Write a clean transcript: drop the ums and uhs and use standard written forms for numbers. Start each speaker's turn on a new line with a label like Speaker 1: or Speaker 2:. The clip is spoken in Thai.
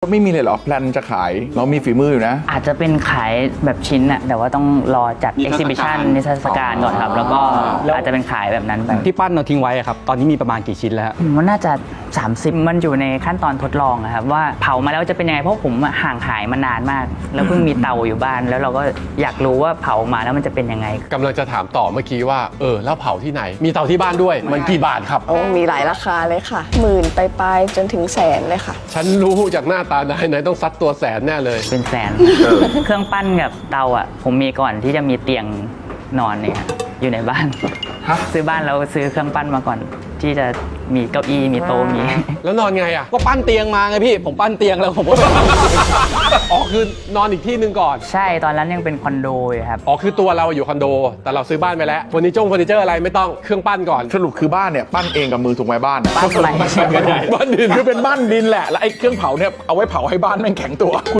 Speaker 1: ไม่มีเลยเหรอแพลนจะขายเรามีฝีมืออยู่นะ
Speaker 2: อาจจะเป็นขายแบบชิ้นอะแต่ว่าต้องรอจัด exhibition นิทรรศการก่อนครับแล้วก็อาจจะเป็นขายแบบนั้นไป
Speaker 3: ที่ปั้นเราทิ้งไว้ครับตอนนี้มีประมาณกี่ชิ้นแล้วฮะ
Speaker 2: ผมว่าน่าจะ30มันอยู่ในขั้นตอนทดลองนะครับว่าเผามาแล้วจะเป็นยังไงเพราะผมห่างหายมานานมาก แล้วเพิ่งมีเตาอยู่บ้านแล้วเราก็อยากรู้ว่าเผามาแล้วมันจะเป็นยังไง
Speaker 4: กำลังจะถามต่อเมื่อกี้ว่าแล้วเผาที่ไหนมีเตาที่บ้านด้วยมันกี่บาทครับ
Speaker 5: โอ้มีหลายราคาเลยค่ะหมื่นไปจนถึงแสนเลยค่ะ
Speaker 4: ฉันรู้จากหน้าตานายต้องซัดตัวแสนแน่เลย
Speaker 2: เป็นแสนเครื่องปั้นกับเตาอ่ะผมมีก่อนที่จะมีเตียงนอนเนี่ยอยู่ในบ้านซื้อบ้านแล้วซื้อเครื่องปั้นมาก่อนที่จะมีเก้าอี้มีโต๊ะมี
Speaker 4: แล้วนอนไงอ่ะ
Speaker 3: ก็ปั้นเตียงมาไงพี่ผมปั้นเตียงแล้วผมก็
Speaker 4: อ๋อคือนอนอีกที่หนึ่งก่อน
Speaker 2: ใช่ตอนนั้นยังเป็นคอนโดอยู่ครับ
Speaker 4: อ๋อคือตัวเราอยู่คอนโดแต่เราซื้อบ้านไปแล้วเฟอร์นิเจอร์อะไรไม่ต้องเครื่องปั้นก่อน
Speaker 1: สรุปคือบ้านเนี่ยปั้นเองกับมือถูกไหมบ้าน
Speaker 2: ปั้นใหม่
Speaker 1: บ้านดินคือเป็นบ้านดินแหละแล้วไอ้เครื่องเผาเนี่ยเอาไว้เผาให้บ้านแม่งแข็งตัว